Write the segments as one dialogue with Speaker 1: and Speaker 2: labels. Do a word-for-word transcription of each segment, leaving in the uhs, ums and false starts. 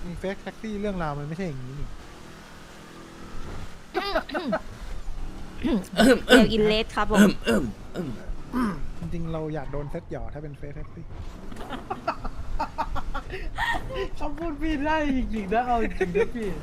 Speaker 1: มีเฟกแท็กซี่เรื่องราวมันไม่ใช่อย่างนี้นี่
Speaker 2: เดี๋ยวอินเลสครับผม
Speaker 1: จริงๆเราอยากโดนเซตหยอถ้าเป็นเฟกแท็กซี่
Speaker 3: คำพูดพี่ได้จริงๆนะเอาจริงๆนะพี่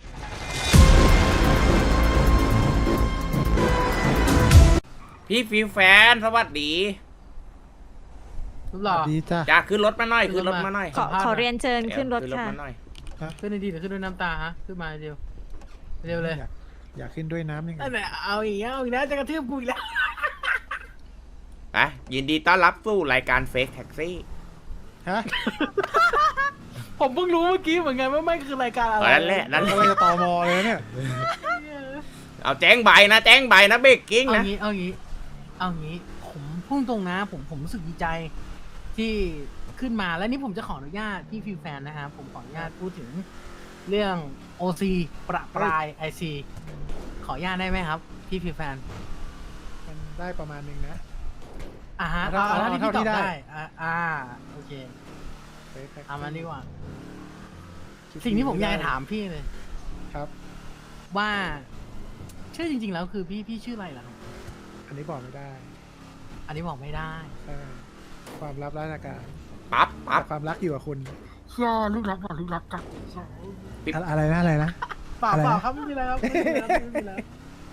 Speaker 4: พี่ฟิวแฟนสวัสดี
Speaker 3: รูปหล่อ
Speaker 1: ดีจ้ะ
Speaker 4: จะขึ้นรถมาหน่อยขึ้นรถมาหน่อย
Speaker 2: ขอขอเรียนเชิญขึ้นรถ
Speaker 4: ขึ้นรถ
Speaker 2: ค่ะ
Speaker 4: มาหน่อย
Speaker 3: ขึ้นในดีหรือขึ้นด้วยน้ำตาฮะขึ้นมาเร็วเร็วเลย
Speaker 1: อยากอยากขึ้นด้วยน้ำยังไง
Speaker 3: อันไหนเอาอีกแล้วเอาอีกแล้วจะกระทืบกูอีกแล้ว
Speaker 4: ไปยินดีต้อนรับสู่รายการเฟกแท็กซี่
Speaker 1: ฮะ
Speaker 3: ผมเพิ่งรู้เมื่อกี้เหมือนกันว่าไม่คือรายการอะไร
Speaker 4: นั่นแหละนั่นแห
Speaker 1: เรา
Speaker 4: ละ
Speaker 1: จะตอมอเลยเนี่ย
Speaker 4: เอาแจ้งใบนะแจ้งใบนะเบรกกิ้ง
Speaker 3: เอา
Speaker 4: นะ
Speaker 3: งี้เอางี้เอางี้ผมพุ่งตรงนะผมผมรู้สึกดีใจที่ขึ้นมาแล้วนี่ผมจะขออนุญาตพี่ฟิวแฟนนะครับผมขออนุญาตพูดถึงเรื่อง โอ ซี ประปราย ไอ ซี ขออนุญาตได้ไหมครับพี่ฟิวแฟน
Speaker 1: มันได้ประมาณนึงนะ
Speaker 3: อ่าฮะ
Speaker 1: เอา
Speaker 3: เอา
Speaker 1: เอา
Speaker 3: เท่าที่
Speaker 1: เท่า
Speaker 3: พี่ต
Speaker 1: ที่
Speaker 3: อบ
Speaker 1: ได้
Speaker 3: ได้อ่าอ่าโอเค
Speaker 1: เฟกแท็กซี่
Speaker 3: เอามาดีกว่า สิ่งที่ผมอยากจะถามพี่เลย
Speaker 1: ครับ
Speaker 3: ว่าชื่อจริงๆแล้วคือพี่พี่ชื่ออะไรล่ะครับ
Speaker 1: อันนี้บอกไม่ได้
Speaker 3: อันนี้บอกไม่ได้
Speaker 1: ใช่ความลับราชการ
Speaker 4: ปั๊บปั๊บ
Speaker 1: แต่ความรักอยู่กับคุณ
Speaker 3: เชื่อลูกรักก่อนลูกรักกัน
Speaker 1: อะอะไรนะอะไรนะ
Speaker 3: เปล่า
Speaker 1: อะไรนะ
Speaker 3: เปล่าครับไม่มีอะไรครับไม่มีอะไรครับไม่มีอะไร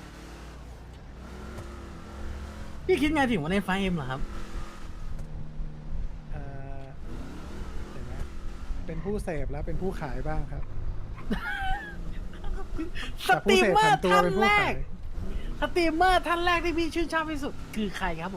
Speaker 3: พี่คิดไงถึงว่าในไฟเอ็มเหรอครับ
Speaker 1: เอ่อเดี๋ยวนะเป็นผู้เสพแล้วเป็นผู้ขายบ้างครับ
Speaker 3: ส
Speaker 1: จาก
Speaker 3: ต
Speaker 1: ผู้
Speaker 3: รีม
Speaker 1: เสพ
Speaker 3: เมอ
Speaker 1: ผัน
Speaker 3: ร์
Speaker 1: ตัว
Speaker 3: ท่าน
Speaker 1: เป็นผู้
Speaker 3: แร
Speaker 1: ขาก ย
Speaker 3: สตรีมเมอร์ท่านแรกที่พี่ชื่นชอบที่สุดคือใครครับผม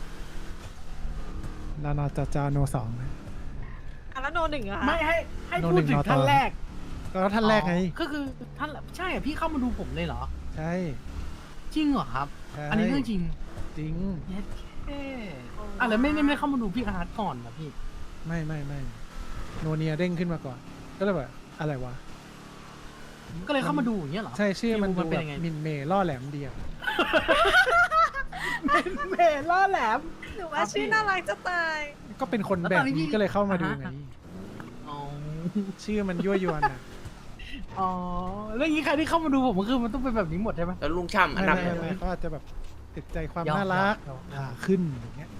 Speaker 1: นอนจจโนสองนะ
Speaker 2: อ่ะแล้วโนหนึ่งเหรอะ
Speaker 3: ไม่ให้ให้
Speaker 1: โน
Speaker 3: พู
Speaker 1: หนึ่
Speaker 3: ด
Speaker 1: ง
Speaker 3: ถึง
Speaker 1: นอตอ
Speaker 3: ท่านแรก
Speaker 1: ก็ท่านแรกไง
Speaker 3: อ๋อก็คือท่านใช่เหรอพี่เข้ามาดูผมเลยเหรอ
Speaker 1: ใช่
Speaker 3: จริงเหรอครับ
Speaker 1: ใช่
Speaker 3: อันนี้เรื่องจริง
Speaker 1: จริง
Speaker 3: เย็ดแค่อ่ะแล้วไม่ไม่ไม่เข้ามาดูพี่อาร์ตก่อนเหรอพี่
Speaker 1: ไม่ไม่ไม่โนเนียเด้งขึ้นมาก่อน ก็เลยแบบอะไรวะ
Speaker 3: ก็เลยเข้ามาดูอย่างเงี้ยเหรอ
Speaker 1: ใช่ชื่อมัน
Speaker 3: มั
Speaker 1: ดู
Speaker 3: นเป็
Speaker 1: แบ
Speaker 3: น
Speaker 1: บ
Speaker 3: ยังไง
Speaker 1: มินเมย์ล่อแหลมเดียว
Speaker 3: เมล่อแหลม
Speaker 2: หนูว่าชื่อน่ารักจะตาย
Speaker 1: ก็เป็นคน
Speaker 3: แล้ว
Speaker 1: แบ
Speaker 3: ตอน
Speaker 1: บ
Speaker 3: นี้พี่
Speaker 1: นี้ก็เลยเข้ามาดูไง
Speaker 3: อ่าฮะ อ๋อ
Speaker 1: ชื่อมันยั่วยวนอ่ะ
Speaker 3: อ๋อแล้วอย่างนี้ใครที่เข้ามาดูผมก็คือมันต้องเป็นแบบนี้หมดใช่ไหม
Speaker 4: แล้วลุงช่ำอัน
Speaker 1: ไม่
Speaker 4: ดับ
Speaker 1: ไม่ไม่เขาอาจจะแบบติดใจความ
Speaker 3: ยอม
Speaker 1: น่ารัก
Speaker 3: ยอม
Speaker 1: อ่าขึ้นอย่างเงี้ย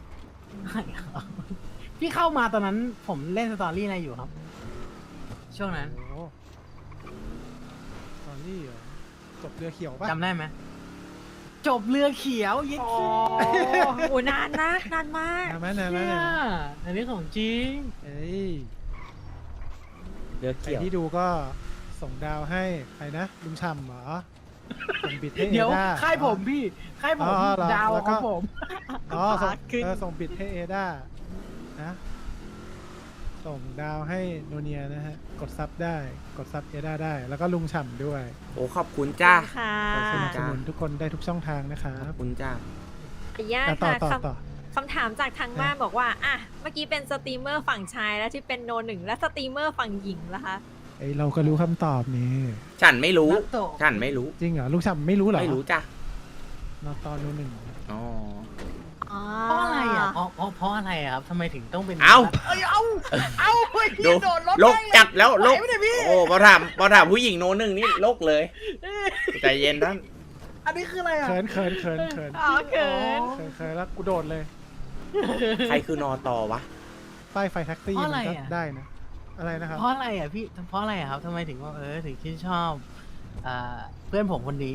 Speaker 3: พี่เข้ามาตอนนั้นผมเล่นสตอรี่อะไรอยู่ครับ ช่วงนั้น
Speaker 1: โอ้โหตอนนี้เหรอจบเรือเขียวปะ
Speaker 3: จำได้ไหมจบเรือเขียวเย็ด
Speaker 2: โอ้
Speaker 3: ขี้
Speaker 2: โหนานนะนานมาก
Speaker 1: นานไหมนานไหม
Speaker 3: เนี่ย
Speaker 1: นานไหม
Speaker 3: อันนี้ของจริง
Speaker 1: เอ้ย
Speaker 4: เรือ
Speaker 1: ใคร
Speaker 4: เกี่ยว
Speaker 1: ที่ดูก็ส่งดาวให้ใครนะลุงช่ำเหรอส่งบิดให้เอ
Speaker 3: เดี๋ยว
Speaker 1: ด้า
Speaker 3: ค่ายผมพี่ค่ายผม
Speaker 1: อ๋อเหรอ
Speaker 3: ดาว
Speaker 1: แล้ว
Speaker 3: ข
Speaker 1: ก็
Speaker 3: องผม
Speaker 1: อ๋อส่ง
Speaker 2: ขึ้น
Speaker 1: เออส่งบิดให้เอด้านะส่งดาวให้โนเนียนะฮะ กดซับได้กดซับเอด้าได้ แล้วก็ลุงฉ่ำด้วย
Speaker 4: โอ้ขอบคุณจ้า
Speaker 2: ค่ะ
Speaker 1: สนับสนุนทุกคนได้ทุกช่องทางนะครั
Speaker 4: ขอบบ คุณจ้า
Speaker 2: ขออนุญาต
Speaker 1: ต่อ
Speaker 2: ค่ะ
Speaker 1: ต่อ
Speaker 2: ค
Speaker 1: ต่อ
Speaker 2: ำคำถามจากทางบ้านบอกว่าอ่ะเมื่อกี้เป็นสตรีมเมอร์ฝั่งชายแล้วที่เป็นโนหนึ่งและสตรีมเมอร์ฝั่งหญิงล่ะคะ
Speaker 1: ไอยเราก็รู้คำตอบนี่
Speaker 4: ฉันไม่รู้
Speaker 3: นัตโตะ
Speaker 4: ฉันไม่รู้
Speaker 1: จริงเหรอลุงฉ่ำไม่รู้เหรอ
Speaker 4: ไม่รู้จ้ะ
Speaker 1: นอตอนนู้นหนึ่ง
Speaker 4: อ๋อ
Speaker 3: เพราะอะไรอ่ะเพราะเพราะเพราะอะไรอ่ะครับทำไมถึงต้องเป็น
Speaker 4: เอ้า
Speaker 3: เอ้ยเอ้าเอ้าเฮ้ย
Speaker 4: ดู
Speaker 3: โดนรถ
Speaker 4: ลกจัดแล้วลก
Speaker 3: ไหวไหมเนี่ยพี่
Speaker 4: โอ้พอถามพอถามผู้หญิงโนหนึ่งนี่ลกเลยใจเย็นท่าน
Speaker 3: อันนี้คืออะไรอ่ะ
Speaker 1: เขินเขินเขินเขิน
Speaker 2: อ๋อเขิน
Speaker 1: เขินเขินแล้วกูโดดเลย
Speaker 4: ใครคือนอตอวะ
Speaker 1: ป้ายไฟแท็กซี่
Speaker 3: เพราะ
Speaker 1: มั
Speaker 3: อะไร
Speaker 1: นก็
Speaker 3: อ่ะ
Speaker 1: ได้นะ อะไรนะครับ
Speaker 3: เพราะอะไรอ่ะพี่เพราะอะไรอ่ะครับทำไมถึงว่าเออถึงชื่นชอบอ่าเพื่อนผมคนนี้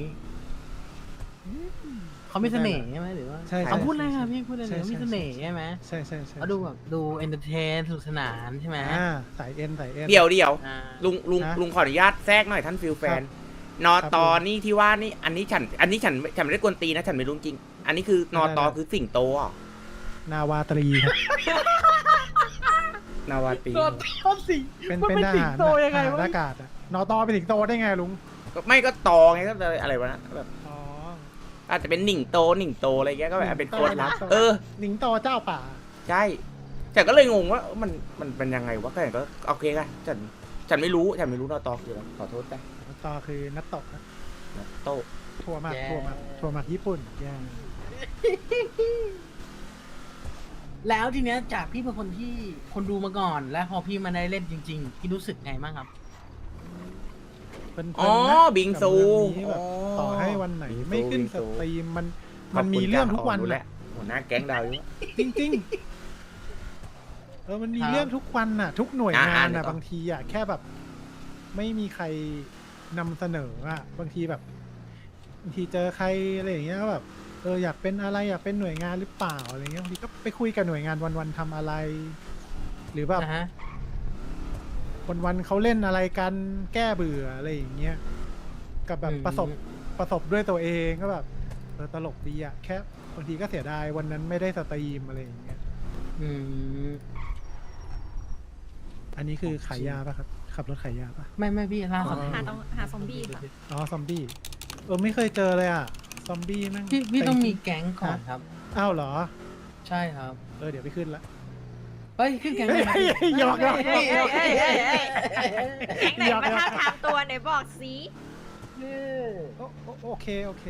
Speaker 3: เขามีเสน่ห์ใช่ไหมหรือว่า
Speaker 1: ใช่
Speaker 3: เขา
Speaker 1: ใช่
Speaker 3: พูดอะไร
Speaker 1: ใช่
Speaker 3: ครับพี่พูดอะไร
Speaker 1: ใช่
Speaker 3: เขามีเสน่ห์ใช่ไหม
Speaker 1: ใช่ใช่ใช่
Speaker 3: เขาดูแบบดูเอนเตอร์เทนสนุกสนานใช่ไหม
Speaker 1: อ่าสายเอ็นสายเอ็น
Speaker 4: เดี๋ยวเดี๋ยว
Speaker 3: อ่า
Speaker 4: ลุงลุง
Speaker 1: นะ
Speaker 4: ลุงขออนุญาตแทรกหน่อยท่านฟิลแฟน นอ
Speaker 1: ครับ
Speaker 4: ตอ
Speaker 1: ผม
Speaker 4: นี่ที่ว่านี่อันนี้ฉัน อันนี้ฉันฉันไม่ได้กวนตีนนะฉันไม่รู้จริง อันนี้คือนอตอ
Speaker 1: ได้ได้
Speaker 4: คือสิ่งโตอ่ะ
Speaker 1: นาวาตรีครับ
Speaker 4: นาวาตรี
Speaker 3: โดนชอบสิ
Speaker 1: เป็น
Speaker 3: มัน
Speaker 1: เป็น
Speaker 3: เป็น
Speaker 1: ท
Speaker 3: สิง
Speaker 1: หาร
Speaker 3: โตยังไง
Speaker 1: ทหาร
Speaker 3: วะ
Speaker 1: อากาศอะนอตอเป็นสิงโตได้ไงลุง
Speaker 4: ก็ไม่ก็ตอไงก็เลยอะไรวะนะแบบ
Speaker 1: อ๋อ
Speaker 4: อาจจะเป็นหนิงโตหนิงโตอะไรเงี้ยก็แบบเป็นโคตรลับ
Speaker 1: หนิงโต
Speaker 4: เออ
Speaker 1: หนิงโตเจ้าป่า
Speaker 4: ใช่แต่ก็เลยงงว่ามันมันเป็นยังไงวะก็ก็โอเคกันฉันฉันไม่รู้ฉันไม่รู้นอตอคืออะไรขอโทษแต่
Speaker 1: นอตอคือนัตโตะนะ
Speaker 4: โต
Speaker 1: ถั่วหมักถั่วหมักถั่วหมักญี่ปุ่นย่าง
Speaker 3: แล้วทีเนี้ยจากพี่เป็นคนที่คนดูมาก่อน แล้วพอพี่มาได้เล่นจริงๆพี่รู้สึกไงบ้างครับ
Speaker 1: เพลินๆนะ
Speaker 4: อ๋อบิงซู
Speaker 1: กับเมืองนี้แบบ
Speaker 4: อ๋อ
Speaker 1: ต่อให้วันไหน
Speaker 4: บิงซู
Speaker 1: ไม่ขึ้น
Speaker 4: บิง
Speaker 1: ส
Speaker 4: ซู
Speaker 1: ตรีมมัน
Speaker 4: ข
Speaker 1: มั
Speaker 4: บ
Speaker 1: น
Speaker 4: คุณ
Speaker 1: มีเรื่อง
Speaker 4: จ้า
Speaker 1: ทุกวัน
Speaker 4: รู้
Speaker 1: น่ะ
Speaker 4: แล้วหัวหน้าแก๊งดาวยุ
Speaker 1: จริงๆเออมันมี
Speaker 3: ครับ
Speaker 1: เรื่องทุกวันน่ะ ทุกหน่วย
Speaker 4: อ่ะ
Speaker 1: งาน
Speaker 4: อ่ะ
Speaker 1: น่ะ
Speaker 4: เดี๋ยว
Speaker 1: บางทีอ่ะแค่แบบ ไม่มีใครนำเสนออ่ะบางทีแบบบางทีเจอใครอะไรอย่างเงี้ยก็แบบเอออยากเป็นอะไรอยากเป็นหน่วยงานหรือเปล่าอะไรเงี้ยบางทีก็ไปคุยกับหน่วยงานวันๆทำอะไร หรือแบบ
Speaker 3: นะฮะ
Speaker 1: วันๆเขาเล่นอะไรกันแก้เบื่ออะไรอย่างเงี้ยกับแบบ
Speaker 3: อืม
Speaker 1: ประสบประสบด้วยตัวเองก็แบบเออตลกดีอ่ะแค่บางทีก็เสียดายวันนั้นไม่ได้สตรีมอะไรอย่างเงี้ย
Speaker 3: อืม
Speaker 1: อันนี้คือขายยาป่ะครับ ขับรถขายยาป่ะ
Speaker 3: ไม่ไม่พี่ล่าสุด
Speaker 2: หาต้องหาซอมบี้ค่ะ
Speaker 1: อ๋อซอมบี้เออไม่เคยเจอเลยอ่ะซอมบี้แม่ง
Speaker 3: พี่พี่ต้องมี
Speaker 1: เ
Speaker 3: แก๊งก่อนครับ
Speaker 1: อ้าวเหรอ
Speaker 3: ใช่ครับ
Speaker 1: เออเดี๋ยวไปขึ้นละ
Speaker 3: เฮ้ยขึ้นแก๊งเลยครับ
Speaker 1: เฮ้ยเฮ้ยหยอกหยอก
Speaker 3: เฮ้ยเฮ้ยเฮ้ยเฮ้ยเฮ้ย
Speaker 2: แก๊งไหนมาท้าบทามตัวไหนบอกสิ
Speaker 3: เฮ้ย
Speaker 1: โอโอโอเคโอเค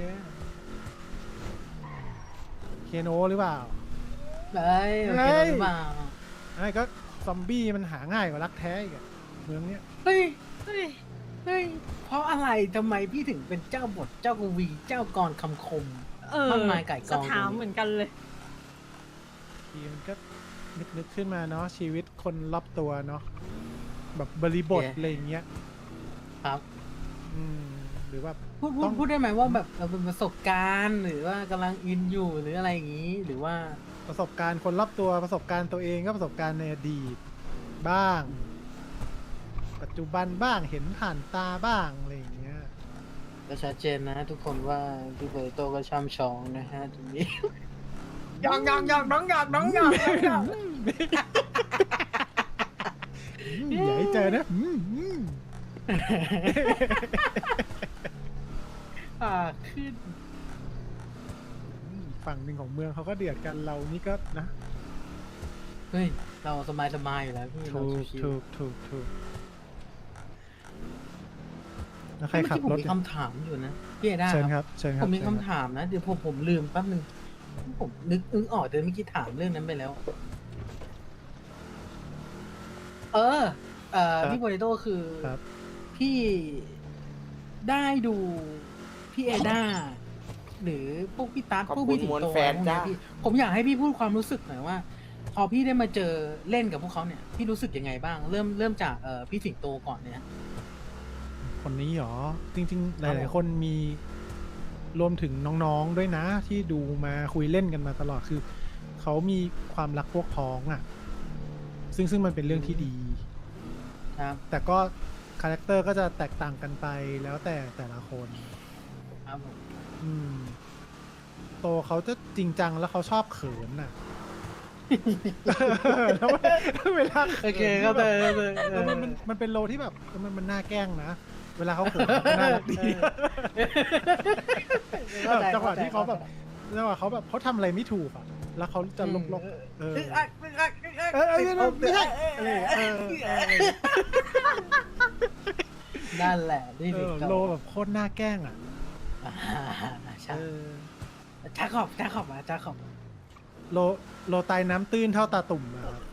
Speaker 1: เคโนหรือเปล่า
Speaker 3: เฮ้ยโอเคหรือเปล่า
Speaker 1: ไอ้ก็ซอมบี้มันหาง่ายกว่ารักแท้อีกอะเมืองเนี้ย
Speaker 3: เฮ้ย
Speaker 2: เฮ้ย
Speaker 3: เฮ้ย เพราะอะไรทำไมพี่ถึงเป็นเจ้าบทเจ้ากวีเจ้ากรคำคม
Speaker 2: เออ
Speaker 3: มากมายไก่กอง
Speaker 2: สถามเหมือนกันเลย
Speaker 1: ทีมันก็นึกนึกขึ้นมาเนาะชีวิตคนรอบตัวเนาะแบบบริบทอะไรอย่างเงี้ย
Speaker 3: ครับ
Speaker 1: อืมหรือว่า
Speaker 3: พูดพู
Speaker 1: ต้
Speaker 3: ด
Speaker 1: อง
Speaker 3: พูดได้ไหมว่าแบบเราเป็นประสบการณ์หรือว่ากำลังอินอยู่หรืออะไรอย่างนี้ หรือว่า
Speaker 1: ประสบการณ์คนรอบตัวประสบการณ์ตัวเองก็ประสบการณ์ในอดีตบ้าง ปัจจุบันบ้างเห็นผ่านตาบ้างอะไรอย่างเงี้ย
Speaker 3: ก็ชัดเจนนะ ทุกคนว่าพี่เบอร์โตก็ช่ำชองนะฮะตรงนี้ ยองยองยองน้องยองน้องยองน้องยอง
Speaker 1: อืมอย่าให้เจอนะอืมอืม
Speaker 3: อ่าขึ้น
Speaker 1: ฝั่งหนึ่งของเมืองเขาก็เดือดกันเรานี่ก็นะ
Speaker 3: เฮ้ย เราสบายสบายๆอยู่แล้วพี่เรา
Speaker 1: ถูก
Speaker 3: ชิว
Speaker 1: ถูกถูกถูกแล้ว
Speaker 3: ๆ
Speaker 1: ใครขับรถ
Speaker 3: เมื่อกี้ผมมีคำถามอยู่นะพี่เอด้า
Speaker 1: เชิญ
Speaker 3: ค
Speaker 1: ครับ รับเชิญค
Speaker 3: ผ
Speaker 1: รับ
Speaker 3: มมี
Speaker 1: เชิญ
Speaker 3: คำ
Speaker 1: รับ
Speaker 3: ถามนะ เดี๋ยวผมผมลืมแป๊บนึงผมนึกอึ้งออกแต่เมื่อกี้ถามเรื่องนั้นไปแล้ว เออ เอ่อพี่โปเตโต้คือ
Speaker 1: ครับ
Speaker 3: พี่ได้ดูพี่เอด้าหรือพวกพี่ตั๊ก
Speaker 4: ขอบ
Speaker 3: พวก
Speaker 4: คุ
Speaker 3: พี่
Speaker 4: ณ
Speaker 3: สิง
Speaker 4: มวล
Speaker 3: โต
Speaker 4: แฟน
Speaker 3: พวกเนี้ย
Speaker 4: จ้า
Speaker 3: พี่ผมอยากให้พี่พูดความรู้สึกหน่อยว่า พอพี่ได้มาเจอเล่นกับพวกเขาเนี่ย พี่รู้สึกยังไงบ้าง เริ่มเริ่มจากเอ่อพี่สิงโตก่อนเนี่ย
Speaker 1: คนนี้หรอ จริง ๆ ห
Speaker 3: ครับ
Speaker 1: ลาย
Speaker 3: ผม
Speaker 1: ๆ คนมีรวมถึงน้องๆด้วยนะ ที่ดูมาคุยเล่นกันมาตลอดคือ เขามีความรักพวกพ้องอ่ะ ซึ่งซึ่งมันเป็นเรื่องที่ดี
Speaker 3: ครับ
Speaker 1: แต่ก็คาแรคเตอร์ก็จะแตกต่างกันไปแล้วแต่แต่ละคน
Speaker 3: ครับผม
Speaker 1: อืม โตเขาจะจริงจังแล้วเขาชอบเขินน่ะ แล้วเวลา
Speaker 3: โอเค
Speaker 1: ขิน
Speaker 3: ก็
Speaker 1: แบ
Speaker 3: เล
Speaker 1: บ
Speaker 3: ย
Speaker 1: เออมันมันมันเป็นโลที่แบบเออมันมันน่าแกล้งนะ เวลาเขาเขินมันน่ารักดีแบบจังหวะที่เขาแบบจังหวะเขาแบบเขาทำอะไรไม่ถูกอ่ะ แล้วเขาจะลกลกๆเออ
Speaker 3: อึกอักอึกอักอึกอัก
Speaker 1: เออเออเออไม่ใช่เออเออเออ
Speaker 3: นั่นแหละนี่
Speaker 1: เอ
Speaker 3: สิง
Speaker 1: อ
Speaker 3: โต
Speaker 1: โลแบบโคตรน่าแกล้งอ่ะ
Speaker 3: อ่าใช่
Speaker 1: เออ
Speaker 3: จ้าขอบจ้าขอบมาจ้าขอบ
Speaker 1: โลโลตายน้ำตื้นเท่าตาตุ่มอะครับ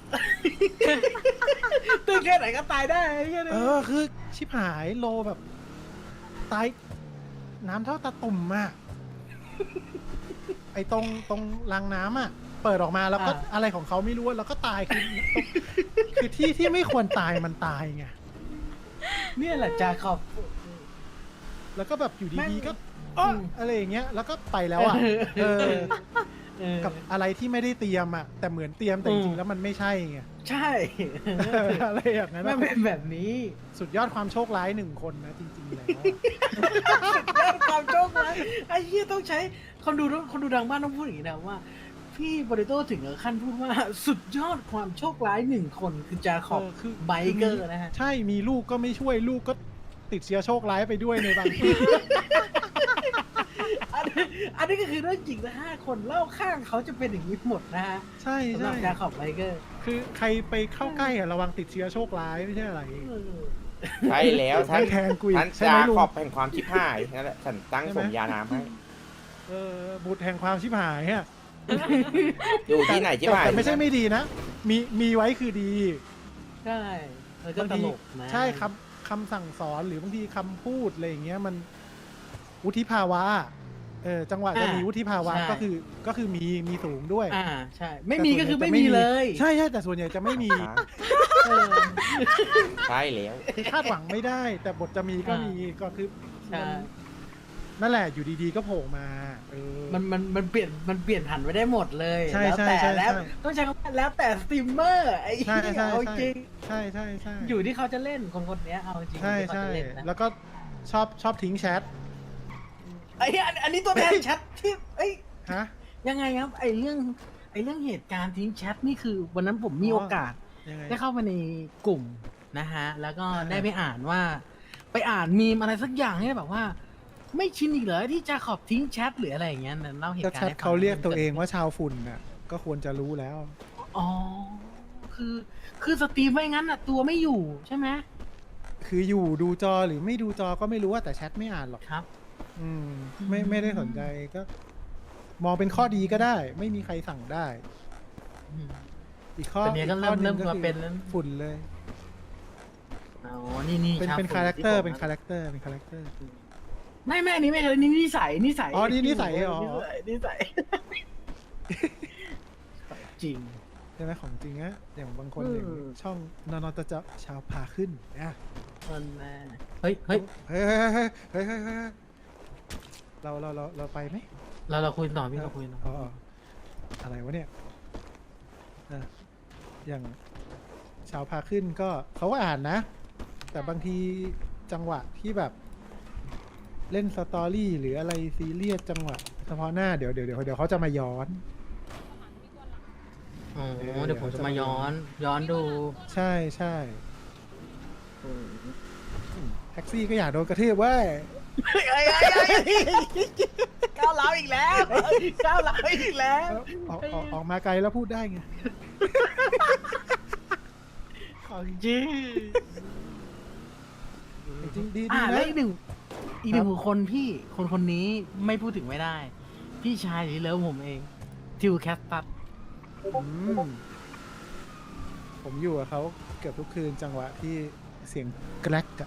Speaker 3: ตื่นแค่ไหนก็ตายได้ไอ้เหี้ย
Speaker 1: เออคือชิบหายโลแบบ ตายน้ำเท่าตาตุ่มอะไอตรงตรงรางน้ำอะเปิดออกมาแล้วก็อะไรของเขาไม่รู้อะแล้วก็ตายคือคือที่ที่ไม่ควรตายมันตายไง
Speaker 3: เนี่ยแหละจ้าขอบ
Speaker 1: แล้วก็แบบอยู่
Speaker 3: แม่
Speaker 1: ดี
Speaker 3: ง
Speaker 1: ๆก็อ้อ
Speaker 3: อืม
Speaker 1: อะไรอย่างเงี้ย แล้วก็ไปแล้วอะเออ
Speaker 3: เออ
Speaker 1: กับอะไรที่ไม่ได้เตรียมอะแต่เหมือนเตรียมแต่จ
Speaker 3: อื
Speaker 1: ริ
Speaker 3: ม
Speaker 1: งๆแล้วมันไม่ใช่ไง
Speaker 3: ใช่
Speaker 1: อะไรอย่างนั้น
Speaker 3: มัน
Speaker 1: อะ
Speaker 3: เป็นแบบนี้
Speaker 1: สุดยอดความโชคร้ายหนึ่งคนนะจริงๆแล้วอะ
Speaker 3: ยอดความโชคร้ายไอ้เหี้ยต้องใช้คนดูต้องคนดูดังบ้านต้องพูดอย่างนี้นะว่า พี่โปเตโต้ถึงกับขั้นพูดว่าสุดยอดความโชคร้ายหนึ่งคนคือจาขอบ
Speaker 1: เออคือ
Speaker 3: ไบเกอร์นะฮะ
Speaker 1: ใช่มีลูกก็ไม่ช่วยลูกก็ติดเชื้อโชคร้ายไปด้วยในบางที
Speaker 3: อันนี้อันนี้ก็คือเรื่องจริงนะห้าคนเล่าข้างเขาจะเป็นอย่างนี้หมดนะฮะ
Speaker 1: ใช่
Speaker 3: สำหรั
Speaker 1: ใช่
Speaker 3: บจาขอบไบเกอร์
Speaker 1: คือใครไปเข้าใกล้อะระวังติดเชื้อโชคร้ายไม่ใช่อะไร
Speaker 4: ใช่แล้วท่าน
Speaker 1: ไม่แทงกูอีก
Speaker 4: ท่าน
Speaker 1: ใช่ไห
Speaker 4: จาม
Speaker 1: ลุง
Speaker 4: ขอบแห่งความชิบหายนั่นแหละฉันตั้ง
Speaker 1: ใช่ไห
Speaker 4: ส
Speaker 1: ม
Speaker 4: มญานามให้
Speaker 1: เออบุตรแห่งความชิบหายอะ
Speaker 4: อยู่ที่ไหนที่
Speaker 1: แต่
Speaker 4: ไหน
Speaker 1: แต่ไม่ใช่ไม่ดีนะ มีมีไว้คือดี
Speaker 3: ใช่เออก็
Speaker 1: บาง
Speaker 3: ต
Speaker 1: ที
Speaker 3: ลกนะ
Speaker 1: ใช่คำคำสั่งสอนหรือบางทีคำพูดอะไรอย่างเงี้ยมันวุฒิภาวะเออจังหวะจะมีวุฒิภาวะก็คือก็คือมีมีสูงด้วย
Speaker 3: อ่าใช่ ไม่มีก็คือไม่มีเลย
Speaker 1: ใช่ใช่แต่ส่วนใหญ่จะไม่มี
Speaker 4: อ่า
Speaker 3: เออ
Speaker 4: ใช่แล้ว
Speaker 1: คาดหวังไม่ได้ แต่บทจะมีก็มีก็คือ
Speaker 3: ใช่
Speaker 1: นั่นแหละอยู่ดีๆก็โผล่มาเออ
Speaker 3: มันมันมันเปลี่ยนมันเปลี่ยนผันไปได้หมดเลย
Speaker 1: ใช่
Speaker 3: แล้ว
Speaker 1: ใช่
Speaker 3: แต่
Speaker 1: ใช่
Speaker 3: แล้ว
Speaker 1: ใช่
Speaker 3: ต้องใช้คำว่าแล้วแต่สตรีมเมอร์ไอ้
Speaker 1: ใช่
Speaker 3: เหี้ย
Speaker 1: ใช่
Speaker 3: เอา
Speaker 1: ใช่
Speaker 3: จริง
Speaker 1: ใช่ใช่ใช่
Speaker 3: อยู่ที่เขาจะเล่นคนคนเนี้ยเอาจริง
Speaker 1: ใช่
Speaker 3: อยู่ที่เขา
Speaker 1: ใช่
Speaker 3: จะเล่นนะ
Speaker 1: แล้วก็ชอบชอบทิ้งแชท
Speaker 3: ไอ้เหี้ยอันอันนี้ตัวแทนแชทที่เอ้ย
Speaker 1: ฮะ
Speaker 3: ยังไงครับไอ้เรื่องไอ้เรื่องเหตุการณ์ทิ้งแชทนี่คือ วันนั้นผมมี
Speaker 1: อ๋อ
Speaker 3: โอกาส
Speaker 1: ยังไง
Speaker 3: ได้เข้าไปในกลุ่มนะฮะ แล้วก็
Speaker 1: อ่า
Speaker 3: ได้ไปอ่านว่า ไปอ่านมีมอะไรสักอย่างเนี่ยแบบว่า ไม่ชินอีกเหรอที่จะขอบทิ้งแชทหรืออะไรอย่างเงี้ยนั่นเล่าเหตุ
Speaker 1: ก็
Speaker 3: การ
Speaker 1: แช
Speaker 3: ณ์
Speaker 1: ท
Speaker 3: ให้ฟั
Speaker 1: เขาเรียกตัวเองว่าชาวฝุ่นน่ะก็ควรจะรู้แล้ว
Speaker 3: อ๋อคือคือสตรีมไม่งั้นอ่ะตัวไม่อยู่ใช่ไหม
Speaker 1: คืออยู่ดูจอหรือไม่ดูจอก็ไม่รู้ว่าแต่แชทไม่อ่านหรอก
Speaker 3: ครับ
Speaker 1: อืมไม่ไม่ได้สนใจก็ มองเป็นข้อดีก็ได้ ไม่มีใครสั่งได้
Speaker 3: อืม
Speaker 1: อีกข้อ
Speaker 3: แต่เนี้ยก็
Speaker 1: อีข้อห
Speaker 3: เริ่ม
Speaker 1: ง
Speaker 3: เริ่มมา
Speaker 1: คือ
Speaker 3: เป็นแล้ว
Speaker 1: ฝุ่นเลย
Speaker 3: อ๋อนี่นี่
Speaker 1: เป็น
Speaker 3: ชาว
Speaker 1: เป็น
Speaker 3: ฝุ่
Speaker 1: คาแรคเตอร์
Speaker 3: ที่ผม
Speaker 1: เป็นคาแรคเตอร์เป็นคาแรคเตอร์
Speaker 3: ไม่แม่อันนี้ไม่ใช่นี่นิสัยนิสัย
Speaker 1: อ๋อนี่นิสัยเหรอ
Speaker 3: นิสัยนิสัยจริง
Speaker 1: ใช่ไหมของจริงอะอย่างบางคน
Speaker 3: เออ
Speaker 1: อย่างช่องนอนจะจะชาวพาขึ้นนะ
Speaker 3: มันแน่เฮ้ยเฮ้ย
Speaker 1: เฮ้ยเฮ้ยเฮ้ยเฮ้ยเฮ้ยเฮ้ยเราเราเราเราไปไหม
Speaker 3: เราเราคุยต่อพี่เราคุยต่อ
Speaker 1: อ๋ออ๋ออะไรวะเนี่ยอ่ะอย่างชาวพาขึ้นก็เขาก็อ่านนะ แต่บางทีจังหวะที่แบบ เล่นสตอรี่หรืออะไรซีเรียสจังหวะเฉพาะหน้าเดี๋ยวเดี๋ยวเดี๋ยวเดี๋ยวเขาจะมาย้อน
Speaker 3: อ๋อเดี๋ยวผมจะมาย้อน ย้อนดู
Speaker 1: ใช่ใช่แท็กซี่ก็อยากโดนกระทืบเว้ย
Speaker 3: ก้าวร้าวอีกแล้วก้าวร้าวอีกแล้ว
Speaker 1: ออกออกออกมาไกลแล้วพูดได้ไง
Speaker 3: ของจริง
Speaker 1: จริงๆดีดี
Speaker 3: อ่า
Speaker 1: นะ
Speaker 3: แล้วอีกหนึ่งอีกหนึ่งบุคคลพี่คนคนนี้ไม่พูดถึงไม่ได้ พี่ชายที่เลิฟผมเอง ทิวแคสตัส
Speaker 1: อืมผมอยู่กับเขาเกือบทุกคืนจังหวะที่เสียงแกรกอะ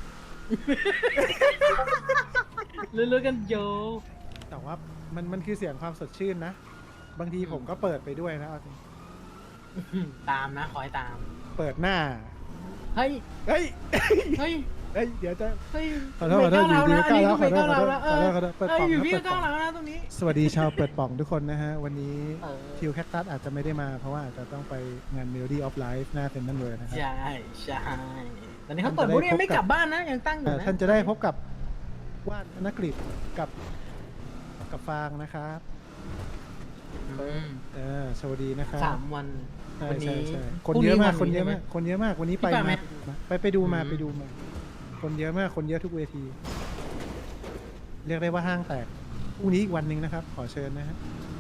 Speaker 3: เรื่อยๆกันโย
Speaker 1: แต่ว่ามันมันคือเสียงความสดชื่นนะ บางทีผมก็เปิดไปด้วยนะเอาจริง
Speaker 3: ตามนะคอยตาม
Speaker 1: เปิดหน้า
Speaker 3: เฮ้ย
Speaker 1: เฮ้ย
Speaker 3: เฮ้ย
Speaker 1: เฮ้ย เดี๋ยวจะ
Speaker 3: เฮ้ย
Speaker 1: ขอโทษขอโทษ
Speaker 3: ไม่
Speaker 1: อยู่ดี
Speaker 3: ก้าวร้าวนะ
Speaker 1: ก้าวร้าว
Speaker 3: อันนี้ก็ไม่ก้าวร้าวนะเออ
Speaker 1: ขอโทษขอโทษเปิด
Speaker 3: เอ้
Speaker 1: ป่
Speaker 3: ย
Speaker 1: อง
Speaker 3: อยู่
Speaker 1: นะ
Speaker 3: พี่
Speaker 1: เปิ
Speaker 3: ก็
Speaker 1: ดป่
Speaker 3: ก้า
Speaker 1: อ
Speaker 3: ว
Speaker 1: ง
Speaker 3: ร้าวนะตรงนี้
Speaker 1: สวัสดีชาวเปิดป่องทุกคนนะฮะ วันนี้
Speaker 3: เออ
Speaker 1: ทิวแคคตัสอาจจะไม่ได้มาเพราะว่าอาจจะต้องไปงาน Melody of Life หน้าเซ็นทรัลเวิลด์นะครับ
Speaker 3: ใช่ใช่ตอนนี้เขาเปิดบูธยังไม่กลับบ้านนะยังตั้งอยู่
Speaker 1: เอ่อ
Speaker 3: นะ
Speaker 1: ท่านจะได้พบกับว่านธนกฤษกับกับฟางนะครับ
Speaker 3: อืม
Speaker 1: เออสวัสดีนะครับ
Speaker 3: สามวัน
Speaker 1: ใช่
Speaker 3: วัน
Speaker 1: ใช่
Speaker 3: นี้
Speaker 1: ใช่
Speaker 3: พ
Speaker 1: ค
Speaker 3: รุ่
Speaker 1: น
Speaker 3: ง
Speaker 1: เยอะมาก
Speaker 3: วั
Speaker 1: คนเยอะ
Speaker 3: ใช่ไห
Speaker 1: มากคนเยอะมากวันนี้ไป
Speaker 3: พี่ไปไหม
Speaker 1: มาไปไปดูมา
Speaker 3: อืม
Speaker 1: ไปดูมา คนเยอะมากคนเยอะทุกเวที เรียกได้ว่าห้างแตกพรุ่งนี้อีกวันหนึ่งนะครับ ขอเชิญนะฮะ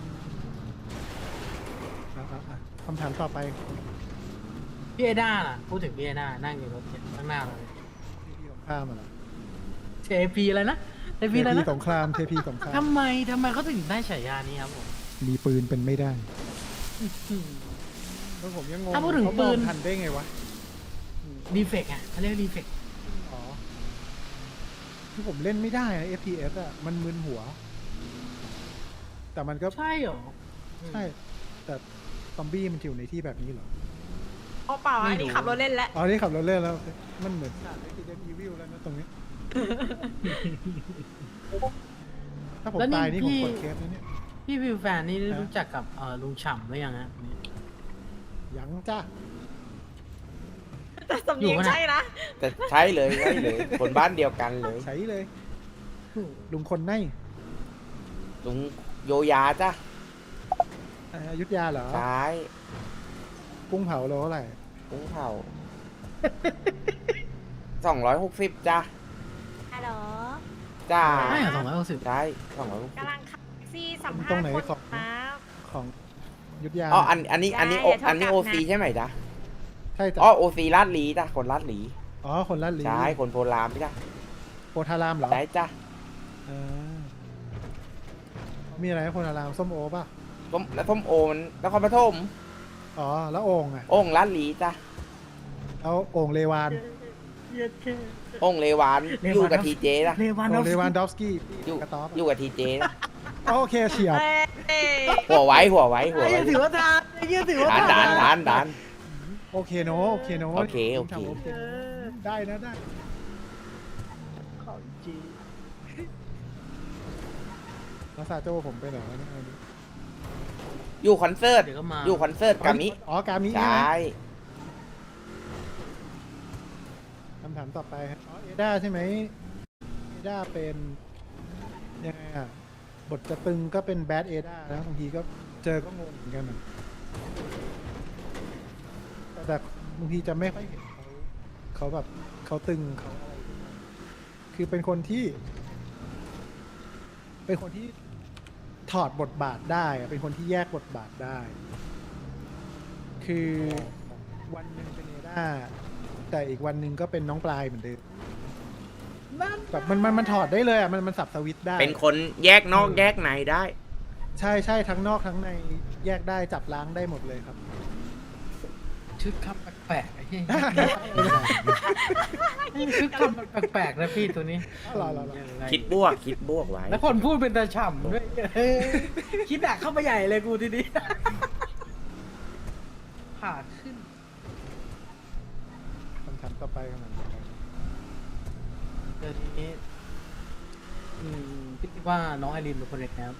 Speaker 1: อ่ะอ่ะอ่ะคำถามต่อไป
Speaker 3: พี่เอด้าล่ะพูดถึงพี่เอด้านั่งอยู่รถเนี่ยข้างหน้าเราเลย
Speaker 1: ที่สงครามอะเหรอ
Speaker 3: เทพีอะไรนะเท
Speaker 1: เท
Speaker 3: พีอะไร
Speaker 1: พี
Speaker 3: นะ
Speaker 1: สงครามเทพีสงคราม
Speaker 3: ทำไมทำไมเขาถึงได้ฉายานี้ครับผม
Speaker 1: มีปืนเป็นไม่ได้
Speaker 3: อืม
Speaker 1: แล้วผมยังงง
Speaker 3: ถ้าพูดถึง
Speaker 1: เขาม
Speaker 3: ปื
Speaker 1: อง
Speaker 3: น
Speaker 1: ทันได้ไงวะ
Speaker 3: ดีเฟกต์อ่ะเขาเรียกดีเฟกต์
Speaker 1: อ๋อคือผมเล่นไม่ได้นะ เอฟ พี เอส อ่ะ มันมึนหัว แต่มันก็
Speaker 3: ใช่เหรอ
Speaker 1: ใช่ แต่ซอมบี้มันอยู่ในที่แบบนี้เหรอ
Speaker 2: อ๋อเปล่าอันนี้ขับรถเล่นแล้ว
Speaker 1: อ๋อ นี่ขับรถเล่นแล้ว มันเหมือนฉาก Resident Evil แล้วนะตรงนี้ ถ้าผมตายนี่ผมกดเคสนะเนี่ย
Speaker 3: พี่วิวแฟนนี่
Speaker 1: ฮะ
Speaker 3: รู้จักกับเอ่อลุงฉ่ำหรือยังฮะ
Speaker 1: ยังจ้า
Speaker 2: แต่สำเนียง
Speaker 3: อยู่ปะเนี่ย
Speaker 2: ใช่นะ
Speaker 4: แต่ใช่เลยใช่เลยคนบ้านเดียวกันเลย
Speaker 1: ใช้เลย ลุงคนใน
Speaker 4: ลุงโยยาจ้ะ
Speaker 1: อ่าอยุทธยาเหรอ
Speaker 4: ใช่
Speaker 1: กุ้งเผาโลเท่าไหร่
Speaker 4: กุ้งเผาสองร้อยหกสิบจ้ะ
Speaker 2: ฮัลโหล
Speaker 4: จ้า
Speaker 3: ใช่เหรอสองร้อยหกสิบ
Speaker 4: ใช่สองร้อยหกสิบ
Speaker 2: กำลังขับแท็กซี่สัมภาษณ์
Speaker 1: ตรงไหน
Speaker 2: คน
Speaker 1: ของ
Speaker 2: ครับ
Speaker 1: ของอยุทธยา
Speaker 4: อ๋ออันอันนี้อันนี้โอ
Speaker 2: ได้
Speaker 4: อันนี้
Speaker 2: เดี๋
Speaker 4: โอ
Speaker 2: ยวเท่ากับ
Speaker 4: ซี
Speaker 2: นะ
Speaker 4: ใช่ไหมจ๊ะ
Speaker 1: ใช่จ้ะ
Speaker 4: อ๋อโอซีลาดหลีจ้ะคนลาดหลี
Speaker 1: อ๋อ คนละลี
Speaker 4: ใช่คนโพลามจ้ะ
Speaker 1: โพธารามเหรอ
Speaker 4: ใช่จ้ะ
Speaker 1: เออมีอะไรนะโพธารามส้มโอป่ะ
Speaker 4: สส้มแล้วส้มโอมันนครปฐม
Speaker 1: อ๋อแล้วโอ่งอ่ะ
Speaker 4: โอ่งลาดหลีจ้ะ
Speaker 1: แล้วโอ่งเลวาน
Speaker 3: เย็ดแค่
Speaker 4: โอ่งเลวาน
Speaker 3: เลวาน
Speaker 4: อยู่กับทีเจนะ
Speaker 3: เลวาน
Speaker 1: โอ่
Speaker 3: อง ฟ
Speaker 1: เล
Speaker 3: ส
Speaker 1: วาน
Speaker 3: กี้
Speaker 1: ดอฟสกี้
Speaker 4: อยู่
Speaker 1: กระต๊อบ
Speaker 4: อยู่กับทีเจนะ
Speaker 1: โอเคเฉียบ
Speaker 2: เอ้ย
Speaker 4: หัวไว้หัวไว้หัว
Speaker 3: ไอ้
Speaker 4: ไว้
Speaker 3: เหี้ยถือว่าทานไอ้เหี้ยถือว่า
Speaker 4: ดาน
Speaker 3: ทาน
Speaker 4: ดานดานดาน
Speaker 1: โอเคโนโอเคโน
Speaker 4: โอเคโอเค
Speaker 1: ทำโอเคได้นะได้
Speaker 3: ของจริง
Speaker 1: แล้วซาโจผมไปไหนวะเนี่ย
Speaker 4: อยู่คอนเสิร์ต
Speaker 3: เดี๋ยวก็มา
Speaker 4: อยู่คอนเสิร์ตกามิ
Speaker 1: อ๋อกามิ
Speaker 4: ใช
Speaker 1: ใช่ไหม่ คำถามต่อไปครับอ๋อเอด้าใช่ไหมเอด้าเป็นยังไงอ่ะบทจะตึงก็เป็นแบดเอด้านะบางทีก็เจอก็งงเหมือนกันอะแต่แต่บางทีจะไม่ค่อยเห็นเขาเขาแบบเขาตึงเขาอะไรคือเป็นคนที่ เป็นคนที่ถอดบทบาทได้อะเป็นคนที่แยกบทบาทได้ คือวันหนึ่งเป็นเอด้าแต่อีกวันหนึ่งก็เป็นน้องปลายเหมือนเดิม
Speaker 3: นั่น
Speaker 1: แบบมันมันมันถอดได้เลยอ่ะมันมันสับสวิตช์ได้
Speaker 4: เป็นคนแยกนอกแยกในได้
Speaker 1: ใช่ใช่ทั้งนอกทั้งในแยกได้จับล้างได้หมดเลยครับ
Speaker 3: ชุดคำแปลกๆไอ้เหี้ยชุดคำแปลกๆนะพี่ตัวนี้
Speaker 1: รอรอรอ
Speaker 3: ยังไง
Speaker 4: คิดบวกคิดบวกไว้
Speaker 3: แล้วคนพูดเป็นตาฉ่ำด้วยเออคิดหนักเข้าไปใหญ่เลยกูทีนี้ผ่าขึ้น
Speaker 1: คำถามต่อไปคำถามต่อไป
Speaker 3: เดี๋ยวนี้อืมพี่คิดว่าน้องไอรีนเป็นคนเด็กนะครับ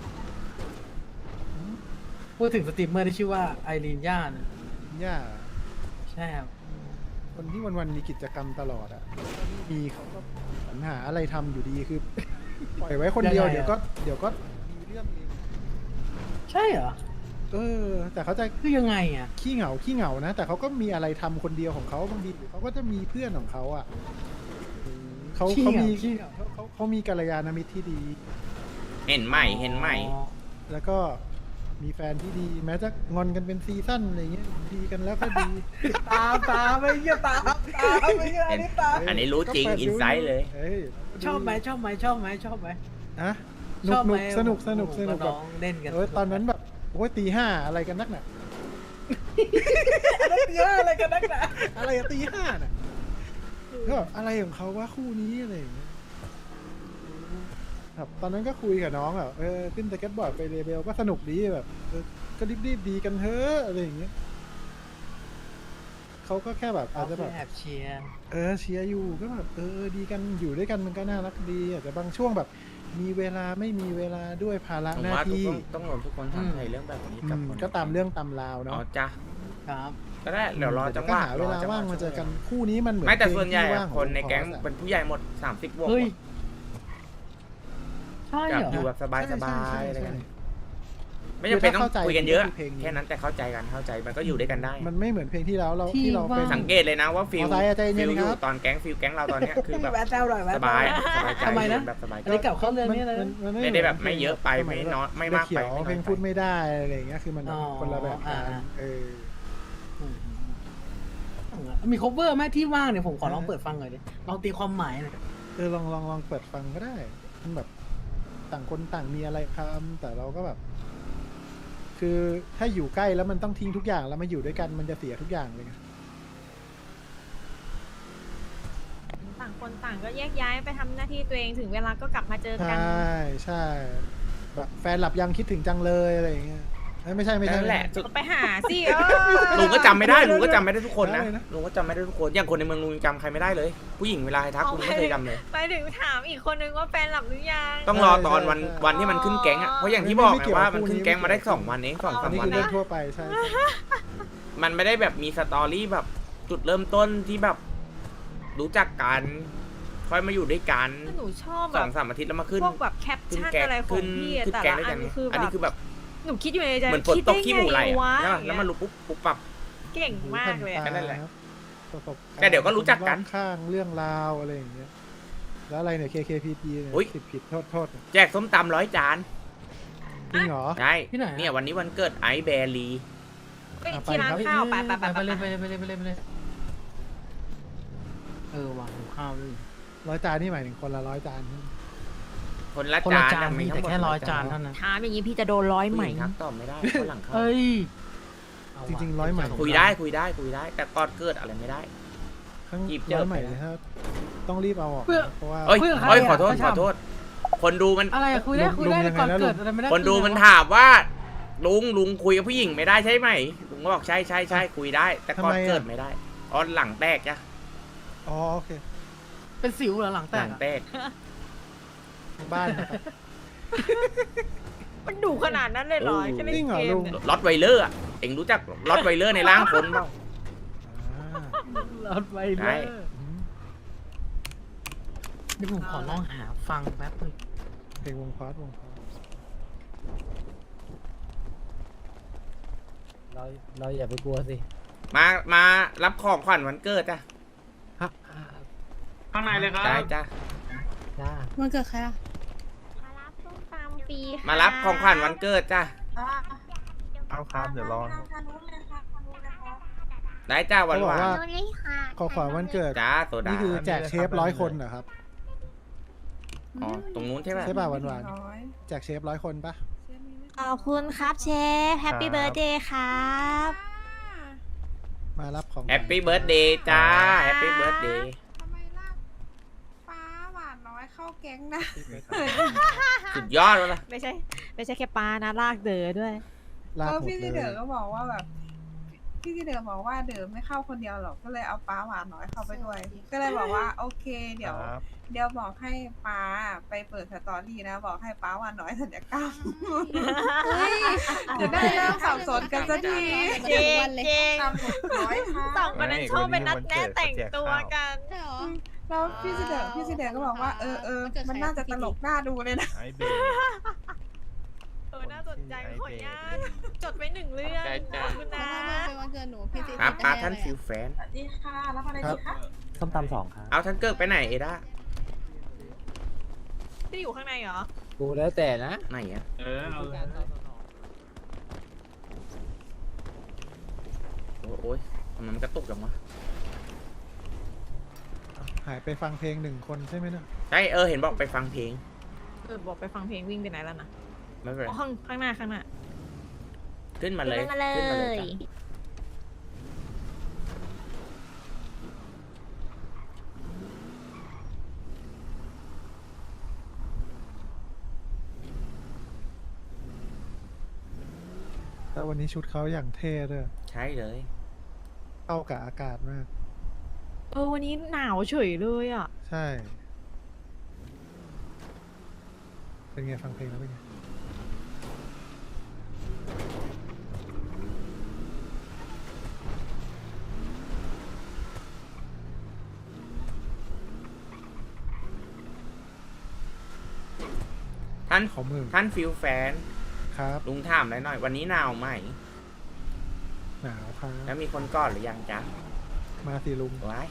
Speaker 3: พูดถึงสตรีมเมอร์ที่ชื่อว่าไอรีนย่านะ
Speaker 1: ย่า
Speaker 3: ใช่ครับ
Speaker 1: คนที่วันๆมีกิจกรรมตลอดอ่ะมีเขาก็สรรหาอะไรทำอยู่ดีคือ ปล่อยไว้คนเดียวเดี๋ยวก็เดี๋ยวก็มีเรื่องเอง
Speaker 3: ใช่เหรอ
Speaker 1: เออ แต่เขาจะ
Speaker 3: คือยังไงอ่ะ
Speaker 1: ขี้เหงาขี้เหงานะ แต่เขาก็มีอะไรทำคนเดียวของเขาบางทีหรือเขาก็จะมีเพื่อนของเขาอ่ะเขา
Speaker 3: ขี้
Speaker 1: เขา
Speaker 3: เหงา
Speaker 1: มี
Speaker 3: ขี้เหงา
Speaker 1: เขาเขาเขามีกัลยาณมิตรที่ดี
Speaker 4: เห็นใหม่เห็นใหม่
Speaker 3: อ๋อ
Speaker 1: แล้วก็มีแฟนที่ดี แม้จะงอนกันเป็นซีซั่นอะไรเงี้ยดีกันแล้วก็ดี
Speaker 3: ตามตามไม่เงี้ยตามตามไม่เงี้ยอันนี้ตาม
Speaker 4: อันนี้รู้จริง
Speaker 1: ก็ปิดดู
Speaker 4: อินไซต์เลย
Speaker 1: อ้ย
Speaker 3: ชอบไหมชอบไหมชอบไหมชอบไหม
Speaker 1: อะห
Speaker 3: ช
Speaker 1: นุ
Speaker 3: อก บ
Speaker 1: ห
Speaker 3: ไหม
Speaker 1: นุกสนุกสนุกสนุก
Speaker 3: ผม
Speaker 1: แบ
Speaker 3: น้
Speaker 1: บ
Speaker 3: องเล่นกัน
Speaker 1: เออตอนนั้นแบบโอ้ยตีห้าอะไรกันนักหนา
Speaker 3: เยอะอะไรกันนักหนา
Speaker 1: อะไรอะตีห้าน่ะก็แบบอะไรของเขาว่าคู่นี้อะไรอย่างเงี้ยครับตอนนั้นก็คุยกับน้องแบบเออขึ้นสเก็ตบอร์ดไปเรเบลก็สนุกดีแบบเออก็รีบๆดีกันเถอะอะไรอย่างเงี้ยเขาก็แค่แบบอาจจะแบบ
Speaker 3: แอบเชียร์
Speaker 1: เออเชียร์อยู่ก็แบบเออดีกันอยู่ด้วยกันมันก็น่ารักดีอาจจะบางช่วงแบบมีเวลาไม่มีเวลาด้วยภาระ
Speaker 4: ผม
Speaker 1: หน้า
Speaker 4: ว่าทุก
Speaker 1: ที่
Speaker 4: คนต้องรวมทุกคนทำใจเรื่องแบบนี้
Speaker 1: อื
Speaker 4: กับ
Speaker 1: ม
Speaker 4: คน
Speaker 1: ก็ตามเรื่องตามราว
Speaker 4: อ๋อ
Speaker 1: เนาะ
Speaker 4: จ้ะ
Speaker 3: ครับ
Speaker 4: ก็ได้เดี๋ยวรอจังห
Speaker 1: ก็
Speaker 4: วะ
Speaker 1: หาเวลา
Speaker 4: จังหะ
Speaker 1: ว่างมาเจอกัน
Speaker 4: ช่วย
Speaker 1: คู่นี้มันเหมือน
Speaker 4: ไม่แต่
Speaker 1: เพลง
Speaker 4: ส่วนใหญ่
Speaker 1: ที่
Speaker 4: อะ
Speaker 1: ว่าง
Speaker 4: คนในแก๊ง
Speaker 1: ขอ
Speaker 4: เป็นผู้ใหญ่หมดสามสิบบวก
Speaker 3: เฮ้ย
Speaker 4: หมด
Speaker 3: ใช่
Speaker 4: อยาก
Speaker 3: เหรอ
Speaker 4: อยู่แบบสบาย
Speaker 1: ใช่
Speaker 4: สบา
Speaker 1: ใช่
Speaker 4: ยอะไร
Speaker 1: ใช่
Speaker 4: กัน
Speaker 1: ใช่
Speaker 4: ไม่จำเป็นต้อง
Speaker 1: คือถ้าเข้าใจ
Speaker 4: คุยกันเยอะ
Speaker 1: มันก็คือเพลงนี้
Speaker 4: แค่นั้นแต่เข้าใจกันเข้าใจมันก็อยู่ด้วยกันได้
Speaker 1: มันไม่เหมือนเพลงที่แล้วเรา
Speaker 3: ที่
Speaker 1: ที่เราเป็น
Speaker 3: ว่าง
Speaker 4: สังเกตเลยนะว่าฟิล
Speaker 1: มอไซค์อะใจเย็
Speaker 4: ฟิ
Speaker 1: น
Speaker 4: ล
Speaker 1: ๆ
Speaker 4: อยู่
Speaker 1: ครับ
Speaker 4: ตอนแก๊งฟิลแก๊งเราตอนเนี้ยคือแบบ
Speaker 3: แวะแซวหน่อยแวะ
Speaker 4: สบาย
Speaker 3: แซวหน่อย
Speaker 4: สบายใจ
Speaker 3: ทำไมนะ
Speaker 4: แบบสบายใจ
Speaker 3: อันนี้กลับเข้าเรื่องนี้เลย
Speaker 1: มัน
Speaker 4: ไม่ได้แบบไม่เยอะไปไม่น้อยไม่มากไป
Speaker 1: เขียว
Speaker 4: ไม่น้อยไป
Speaker 1: เพลงพูดไม่ได้อะไรอย่างเงี้ยคือมัน
Speaker 3: อ๋อ
Speaker 1: คนละแบบกัน
Speaker 3: อ่า
Speaker 1: เออ
Speaker 3: อืมมี cover ไหมที่ว่างเนี่ยผมขอลองเปิดฟังหน่อยดิลองตีความหมายหน่อย
Speaker 1: เออลองลองลองเปิดฟังก็ได้ มันแบบต่างคนต่างมีอะไรทำแต่เราก็แบบ คือถ้าอยู่ใกล้แล้วมันต้องทิ้งทุกอย่างแล้วมาอยู่ด้วยกันมันจะเสียทุกอย่างเลยไง
Speaker 2: ต่างคนต่างก็แยกย้ายไปทำหน้าที่ตัวเองถึงเวลาก็กลับมาเจอ
Speaker 1: ใช
Speaker 2: กัน
Speaker 1: ่ใช่แบบแฟนหลับยังคิดถึงจังเลยอะไรอย่างเงี้ยเอ้ยไม่ใช่ไม่ใช่
Speaker 4: นั่นแหละสุด
Speaker 2: ไปหาสิเออ
Speaker 4: ลุงก็จำไม่ได้ลุงก็จำไม่ได้ทุกคนนะ
Speaker 1: อะไรนะ
Speaker 4: ลุงก็จำไม่ได้ทุกคนอย่างคนในเมืองลุงยังจำใครไม่ได้เลย ผู้หญิงเวลาให้ทักลุงไม่เคยจำเลย
Speaker 2: ไปถึงถามอีกคนนึงว่าแฟนหลับหรือยัง
Speaker 4: ต้องรอตอนวัน
Speaker 1: ใช่
Speaker 4: วันที่มันขึ้นแก๊งอ่ะเพราะอย่างที่บอกไงว่ามันขึ้นแก๊งมาได้สองวันเองสอง
Speaker 1: อั
Speaker 4: สาน ม
Speaker 1: นี้
Speaker 4: วั
Speaker 1: คื
Speaker 4: น
Speaker 1: อเรื่องทั่วไปใช่ใช่
Speaker 4: มันไม่ได้แบบมีสตอรี่แบบจุดเริ่มต้นที่แบบรู้จักกันค่อยมาอยู่ด้วยกัน
Speaker 2: คือหนูชอบ
Speaker 4: ส
Speaker 2: แบ
Speaker 4: อบ งสามอาทิตย์แล้วมาขึ้น
Speaker 2: พวกแบบแคป
Speaker 4: ขึ้น
Speaker 2: ชั่น
Speaker 4: แก๊ง
Speaker 2: อะไรขอ
Speaker 4: ขึ้
Speaker 2: ง
Speaker 4: น
Speaker 2: พี่อะ
Speaker 4: ขึ้น
Speaker 2: แต่
Speaker 4: แก๊ง
Speaker 2: ละ
Speaker 4: ด้วย
Speaker 2: อั
Speaker 4: กัน
Speaker 2: นคือ
Speaker 4: อัน
Speaker 2: แบ
Speaker 4: นี้
Speaker 2: บ
Speaker 4: คือแบบ
Speaker 2: หนูคิดอยู่ในใจ
Speaker 4: เหมือนฝน
Speaker 2: คิด
Speaker 4: ต
Speaker 2: ได้
Speaker 4: กขี้
Speaker 2: ไง
Speaker 4: หมูไหลอะ
Speaker 2: วะ
Speaker 4: ใช่ป่ะแล้วมันรู้ปุ๊บปุ๊บปับ
Speaker 2: เก่งมากเลยอะ
Speaker 4: แค่นั้นแหละ
Speaker 1: ประสบารณ์
Speaker 4: แต่เดี๋ยวก็รู้จักกัน
Speaker 1: รอบข้างเรื่องราวอะไรอย่างเงี้ยแล้วอะไรเนี่ย เค เค พี ที เนี่ย
Speaker 4: อุ๊ย
Speaker 1: ผิดผิดโทษโทษ
Speaker 4: แจกส้มตำร้อยจาน
Speaker 1: จริงเหรอ
Speaker 4: ใช่
Speaker 3: ที่ไหนอะ
Speaker 4: เนี่ยวันนี้วันเกิดไอซ์แบรี
Speaker 2: ไปที่ร้านข้าวไปไปไป
Speaker 3: ไป
Speaker 2: ไป
Speaker 3: เลย
Speaker 2: ไป
Speaker 3: ไปเลยไปเลยไปเลยไปเลยเออวางข้าวด้วย
Speaker 1: ร้อยจานนี่หมายถึงคนละร้อยจานใช่ไหม
Speaker 4: คนละ
Speaker 3: คนละ
Speaker 4: จาน
Speaker 3: จาน
Speaker 4: อะ
Speaker 3: มีแต่
Speaker 4: ทั้งหด
Speaker 3: แค่ร้อย
Speaker 4: ละ
Speaker 3: จานเท่านั้น
Speaker 2: ถามอย่างนี้พี่จะโดนร้อยไหม
Speaker 4: ผู้ญิงทักตอบไม่ได้คนหลังเขา
Speaker 3: เอ้ย
Speaker 1: จริงๆร้อยไหม
Speaker 4: คุยได้คุยได้คุยได้ แต่ก่อนเกิดอะไรไม่ได้
Speaker 1: ข้าง
Speaker 4: หยิบเจอ
Speaker 1: ร้อยใหม่
Speaker 4: ไปนะ
Speaker 1: ถ้าต้องรีบเอาออก
Speaker 3: เพื่อ
Speaker 1: นะเพราะว่า
Speaker 4: เอ้ย
Speaker 3: คุยกับใคร
Speaker 4: เอ้ย
Speaker 3: อะ
Speaker 4: ขอโทษ
Speaker 3: ประ
Speaker 4: ข
Speaker 3: ชา
Speaker 4: อโทษ คนดูมัน
Speaker 3: อะไรอะคุยได้
Speaker 1: ลุง
Speaker 3: คุยได้
Speaker 1: ลุง
Speaker 3: แต่ก่อน
Speaker 1: ยังไงนะ
Speaker 3: เกิด
Speaker 1: ลุง
Speaker 3: อะไรไม่ได้
Speaker 4: คนดู
Speaker 3: คุย
Speaker 4: มัน
Speaker 3: แล้ว
Speaker 4: ถามว่า ลุงลุงคุยกับผู้หญิงไม่ได้ใช่ไหมลุงก็บอกใช่ใช่ใช่คุยได้ แต่ก่อน
Speaker 1: ทำไมอะ
Speaker 4: เกิดไม่ได้อ๋อหลังแตกจ้ะ
Speaker 1: อ๋อโอเค
Speaker 3: เป็นสิวเหรอหลังแต
Speaker 4: หลั
Speaker 3: ก
Speaker 4: ง
Speaker 3: อะ
Speaker 4: แตก
Speaker 1: ทางบ้านนะครับ
Speaker 2: มันดุขนาดนั้นเลยเหรอ
Speaker 4: โอ้
Speaker 2: แค่เล่น
Speaker 1: จริงเหรอ
Speaker 2: เก
Speaker 1: ลุ
Speaker 2: ม
Speaker 1: ง
Speaker 2: เนี่ย
Speaker 4: ล็อตไวเลอร์อะเอ็งรู้จักล็อตไวเลอร์ในร่างคนเปล่า
Speaker 1: อ่า
Speaker 3: รถไวเล
Speaker 4: ได้
Speaker 3: อร์
Speaker 1: อืม
Speaker 3: เดี๋ยวผมขอลองหาฟังแป๊บนึง
Speaker 1: เพลงวงพอดวงพอด
Speaker 5: เราเราอย่าไปกลัวสิ
Speaker 4: มามารับของขวัญวันเกิดจ้ะ
Speaker 1: ฮะ
Speaker 6: ข้างในเลยครับ
Speaker 4: ได้จ้ะ
Speaker 5: จ้า
Speaker 7: มันเกิดใครอ่ะ
Speaker 2: มารับส้มตำฟรีค่ะ
Speaker 4: มารับของขวัญวันเกิดจ้ะ
Speaker 6: เอาครับเดี๋ยวรอ
Speaker 4: ได้จ้าหวาน
Speaker 1: เขา
Speaker 4: ห
Speaker 1: บอก
Speaker 4: วาน
Speaker 1: ว่า
Speaker 7: โดนเลยค่ะ
Speaker 1: ขอขวาวันเกิด
Speaker 4: จ้าโซดา
Speaker 1: นี่คือแจกเชฟร้อยคนเหรอครับ
Speaker 4: อ๋อตรงนู้นใช่ไหม
Speaker 1: ใช่ป่ะหวานหวานๆแจกเชฟร้อยคนปะ
Speaker 2: ขอบคุณครับเชฟแฮปปี้
Speaker 6: ครับ
Speaker 2: เบิร์ดเดย์ครับ
Speaker 1: มารับของ
Speaker 4: แฮปปี้เบิร์ดเดย์จ้าแฮปปี้เบิร์ดเดย์
Speaker 7: ทำไมล่ะฟ้าหวานน้อยเข้าแก๊งนะ
Speaker 4: สุดยอดเลย
Speaker 2: ไม่ใช่ ไม่ใช่แค่ปลานะลากเดอด้วย
Speaker 1: ลาก
Speaker 7: เออ
Speaker 1: หมด
Speaker 7: พี่
Speaker 1: เล
Speaker 7: ซีเดอร์
Speaker 1: ย
Speaker 7: ก็บอกว่าแบบ พี่ซีเดอร์บอกว่าเดอไม่เข้าคนเดียวหรอก ก็เลยเอาป้าหวานน้อยเข้าไปด้วย ก็เลยบอกว่าโอเค เดี๋ยว
Speaker 6: ครับ
Speaker 7: เดี๋ยวบอกให้ป้าไปเปิดสตอรี่นะ บอกให้ป้าหวานน้อยสัญญกรรมจะได้เลิกสับสนกันสักที
Speaker 2: จริงจริง
Speaker 7: ตามหมดร้อยค่ะ
Speaker 2: สองคนนั้นชอบเป็นนัดแนะแต่งตัวกัน
Speaker 7: ใช่หรอ แล้วพี่ซีเดอร์พี่ซีเดอร์ก็บอกว่าเออเออมันน่าจะตลกน่าดูเลยนะ
Speaker 6: ไอเบย์
Speaker 2: เออ น่าสนใจขออนุญาตจดไว้หนึ่งเรื่องขอบคุณนะ
Speaker 7: เป็นวันเกิดหนูพี่ซี
Speaker 4: ครับป้าท่านฟิลแฟน
Speaker 7: สวัสดีค่ะรับอะไรดีคะ
Speaker 5: ส้มตำสองครับ
Speaker 4: เอาท่านเกิดไปไหนเอด้า
Speaker 2: ที่อยู่ข้างในเหรอ
Speaker 5: กูแล้วแต่นะ
Speaker 4: ไหนอะ
Speaker 6: เออเอาเลย
Speaker 4: โอ้โอ้ยทำไมมันกระตุกจังวะ
Speaker 1: หายไปฟังเพลงหนึ่งคนใช่ไหมเนี่ย
Speaker 4: ใช่เออเห็นบอกไปฟังเพลง
Speaker 2: เออ บอกไปฟังเพลงวิ่งไปไหนแล้วนะ
Speaker 4: ไม่เป็นไร
Speaker 2: อ๋อข้างข้างหน้าข้างหน้า
Speaker 4: ขึ้นมาเลย
Speaker 2: ขึ้นมาเลย
Speaker 4: ขึ้นมาเลยจ้ะ
Speaker 1: แต่วันนี้ชุดเขาอย่างเท่ด้วย
Speaker 4: ใช่เลย
Speaker 1: เข้ากับอากาศมาก
Speaker 2: เออ วันนี้หนาวเฉยเลยอ่ะ
Speaker 1: ใช่ เป็นไงฟังเพลงแล้วเป็นไง
Speaker 4: ท่าน
Speaker 1: ขอมือ
Speaker 4: ท่านฟิลแฟน
Speaker 1: ครับ
Speaker 4: ลุงถามอะไรหน่อย วันนี้หนาวไหม
Speaker 1: หนาวครั
Speaker 4: แล้ว
Speaker 1: บ
Speaker 4: มีคนกอดหรือยังจ๊ะ
Speaker 1: มาสิลุง
Speaker 4: ว้าย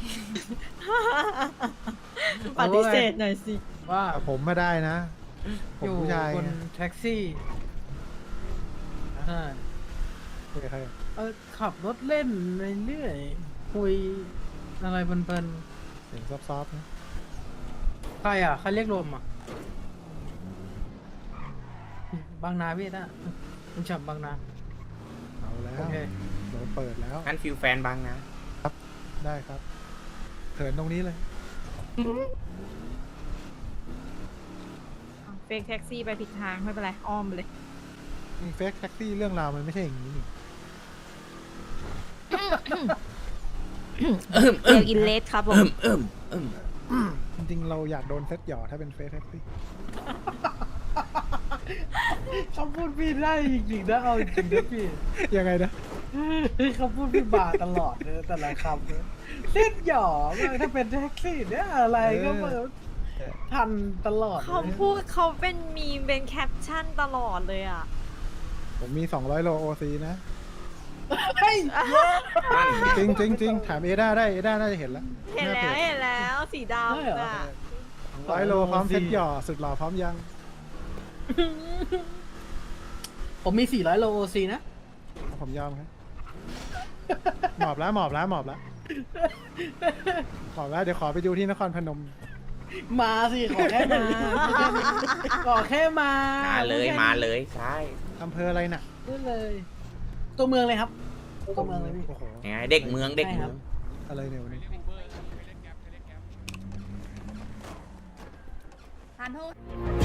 Speaker 2: ปฏิเสธหน่อยสิ
Speaker 3: ว่า
Speaker 1: แต่ผมมาได้นะ ผ
Speaker 3: อ
Speaker 1: ม
Speaker 3: ยู่
Speaker 1: ผู้ชาย
Speaker 3: บน
Speaker 1: ไง
Speaker 3: แท็กซี่ใช่
Speaker 1: คุยกับใครอะ
Speaker 3: เออขับรถเล่นไปเรื่อยคุยอะไรเพลิน
Speaker 1: เสียงซอฟๆนะ
Speaker 3: ๆใครอ่ะใครเรียกรวมอ่ะบางนาพี่นะคุณฉับบางนา
Speaker 1: เอาแล้ว
Speaker 3: โอเค
Speaker 1: โดนเปิดแล้ว
Speaker 4: ท่านฟิลแฟนบางนะ
Speaker 1: ได้ครับเถินตรงนี้เลย
Speaker 2: เฟกแท็กซี่ไปผิดทางไม่เป็นไร อ้อมไปเลย
Speaker 1: เฟกแท็กซี่เรื่องราวมันไม่ใช่อย่างนี้นี่
Speaker 2: เอลอินเลสครับผม
Speaker 4: เอิ่มเอิ่ม
Speaker 1: จริงๆเราอยากโดนเซ็ตหยอถ้าเป็นเฟกแท็กซี่
Speaker 3: เขาพูดพี่ได้จริงๆนะเอาจริงๆนะพี่
Speaker 1: ยังไงนะ
Speaker 3: เขาพูดพี่บาตลอดเลยแต่ละคำเลยเส้นหย่อมากถ้าเป็นแท็กซี่เนี่ยอะไรก็มาทันตลอดลย
Speaker 2: เขาพูดเขาเป็นมีมเป็นแคปชั่นตลอดเลยอ่ะ
Speaker 1: ผมมีสองร้อยโลโอซีนะ
Speaker 3: เฮ้ย
Speaker 4: นั่นไง
Speaker 1: จริงจริงจริงถามเอด้าได้ เอด้าน่าจะเห็นแล้ว
Speaker 2: เห็นแล้วเห็นแล้วสีดำอ่ะ
Speaker 1: ร้อยโลพร้อมเซ็ตหยอสุดหล่อพร้อมยัง
Speaker 3: ผมมีสี่ร้อยโลโอซีนะ
Speaker 1: ผมยอมครับ หมอบแล้วหมอบแล้วหมอบแล้วหมอบแล้วเดี๋ยวขอไปดูที่นครพนม
Speaker 3: มาสิขอแค่มาขอแค่มา
Speaker 4: มาเลย
Speaker 3: พูดแค่นี้
Speaker 4: มาเลยใช่
Speaker 1: อำเภออะไรน่ะ
Speaker 3: พูดเลย ตัวเมืองเลยครับ ตัวเมืองเลยพี่
Speaker 1: โอ้โห
Speaker 4: ยังไงเด็กเมืองเด็กเมือง
Speaker 1: อะไรเนี่ยวันนี้
Speaker 7: ทานโทษ